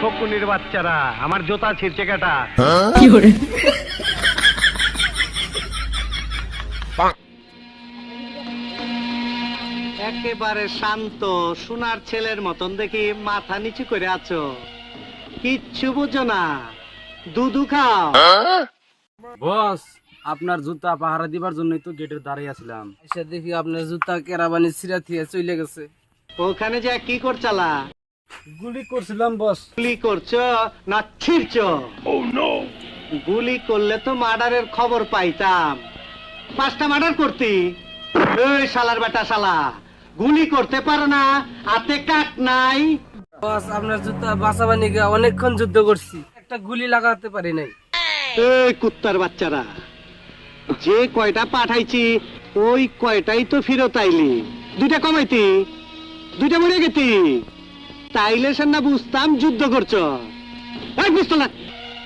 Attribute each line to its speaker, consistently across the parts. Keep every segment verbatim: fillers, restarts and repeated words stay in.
Speaker 1: ফকুনির বাচ্চারা, আমার জুতা ছিঁড়ছে কাটা। একেবারে শান্ত সোনার ছেলের মতন দেখি মাথা নিচু করে আছো, কিচ্ছু বুঝো না, দুধু খাও।
Speaker 2: বস, আপনার জুতা পাহারা দিবার জন্যই তো গেটের দাঁড়িয়ে আছিলাম, এসে দেখি আপনার জুতা কেরাবানি ছিঁড়া থিয়ে চলে গেছে।
Speaker 1: ওখানে যে কি করছালা?
Speaker 2: গুলি করছিলাম বস।
Speaker 1: গুলি করছো না ছিঁড়ছো? গুলি করলে তো মার্ডারের খবর পাইতাম, পাঁচটা মার্ডার করতি। এই শালার বেটা শালা, গুলি করতে পারো না, হাতে কাট নাই।
Speaker 2: বস, আপনার জুতা বাঁচাবানি গিয়ে অনেকক্ষণ যুদ্ধ করছি, একটা গুলি লাগাতে পারি নাই।
Speaker 1: এই কুত্তার বাচ্চারা, যে কয়টা পাঠাইছি ওই কয়টাই তো ফেরত আইলি, দুইটা কমাইতি, দুইটা মরে গেতি, তাইলে সে না বুঝতাম যুদ্ধ করছো। এই বুঝতো না,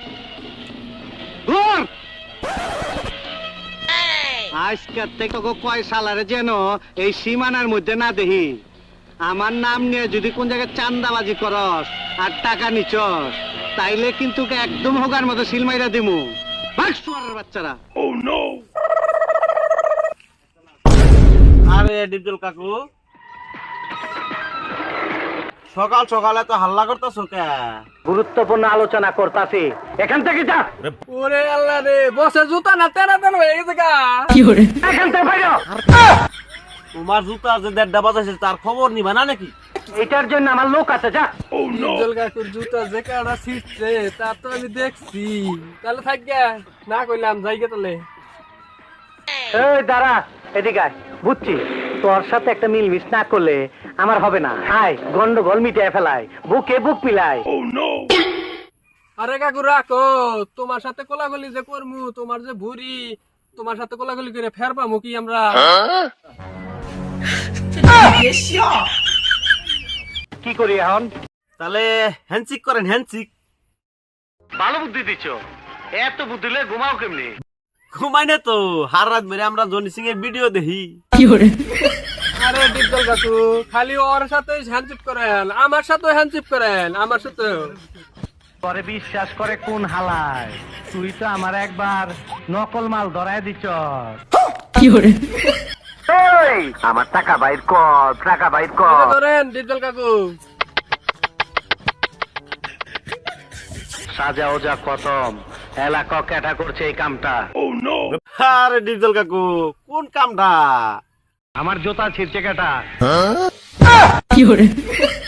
Speaker 1: আজকের থেকে কয় সালারে যেন এই সীমানার মধ্যে না দেখি। আমার নাম নিয়ে যদি কোন জায়গায় চান্দাবাজি করস আর টাকা নিচস, তাইলে কিন্তু একদম হোগার মতো সিলমাইরা দিমু। বাচ্চারা।
Speaker 3: আরে ডিপজল কাকু, সকাল সকালে তো হাল্লা করতেছো কে?
Speaker 1: গুরুত্বপূর্ণ আলোচনা করতাছি, এখান থেকে যা।
Speaker 2: ওরে আল্লাহ রে, বসে জুতা না তেনা তেন হয়ে গেছে গা।
Speaker 1: এখান থেকে বাইরে।
Speaker 3: তোমার জুতা যে দেড়টা বাজাইছে তার খবর নিবা না নাকি?
Speaker 1: এটার জন্য আমার লোক আছে, যা।
Speaker 2: ডিপজল কাকুর জুতা যে কাটা ছিঁড়ছে তা তো আমি দেখছি। তাহলে থাক গে, না কইলাম যাই গে তাহলে।
Speaker 1: এই দাঁড়া, এদিকে আয়। বুঝছি তোর সাথে একটা মিলমিশ না করলে আমার হবে না। আয়, গন্ডগোল মিটিয়ে ফেলায়, বুকে বুক মিলায়।
Speaker 2: আরে কাকু রাখো, তোমার সাথে কোলাগুলি যে করমু, তোমার যে ভুরি, তোমার সাথে কোলাগুলি করে ফের পামু কি আমরা?
Speaker 1: কি করি এখন?
Speaker 3: তাহলে হ্যান্ডশিক করেন, হ্যান্ডশিক।
Speaker 1: ভালো বুদ্ধি দিচ্ছ, এত বুদ্ধি দিলে ঘুমাও কেমনি?
Speaker 3: ঘুমাই না তো, হার রাত মেরে আমরা জনি সিং এর ভিডিও দেখি।
Speaker 2: আরে ডিপজল কাকু, খালি ওর সাথে হ্যান্ডশিপ করেন, আমার সাথে হ্যান্ডশিপ করেন, আমার সাথে।
Speaker 1: পরে বিশ্বাস করে কোন হালায়? তুই তো আমার একবার নকল মাল ধরায় দিচ্ছ। আমার টাকা বাইর কর, টাকা বাইর কর।
Speaker 2: ধরেন ডিপজল কাকু।
Speaker 1: সাজা ওজা খতম, এলাকা ক্যাটা করছে এই কামটা।
Speaker 3: আরে ডিপজল কাকু, কোন কামটা?
Speaker 1: আমার জুতা ছিঁড়ছে কেটা।